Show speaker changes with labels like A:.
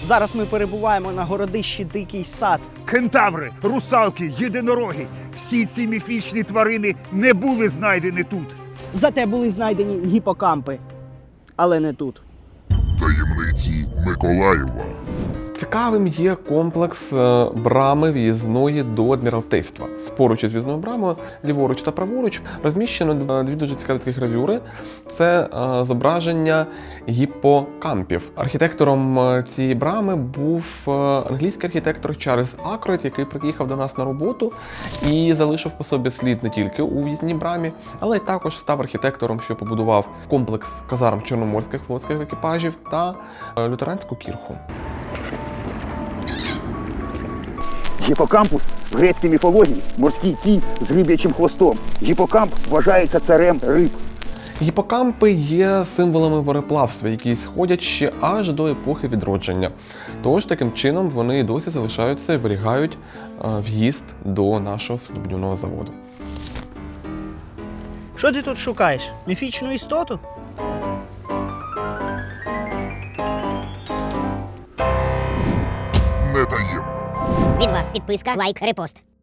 A: Зараз ми перебуваємо на городищі Дикий сад.
B: Кентаври, русалки, єдинороги – всі ці міфічні тварини не були знайдені тут.
A: Зате були знайдені гіпокампи. Але не тут.
C: Таємниці Миколаєва.
D: Цікавим є комплекс брами в'їзної до Адміралтейства. Поруч із в'їзною брамою, ліворуч та праворуч, розміщено дві дуже цікаві такі гравюри. Це зображення гіпокампів. Архітектором цієї брами був англійський архітектор Чарльз Акройд, який приїхав до нас на роботу і залишив по собі слід не тільки у в'їзній брамі, але й також став архітектором, що побудував комплекс казарм чорноморських флотських екіпажів та лютеранську кірху.
B: Гіпокампус в грецькій міфології – морський кінь з риб'ячим хвостом. Гіпокамп вважається царем риб.
D: Гіпокампи є символами мореплавства, які сходять ще аж до епохи відродження. Тож, таким чином, вони досі залишаються і зберігають в'їзд до нашого суднобудівного заводу.
A: Що ти тут шукаєш? Міфічну істоту?
C: Не таємно.
E: Від вас підписка, лайк, репост.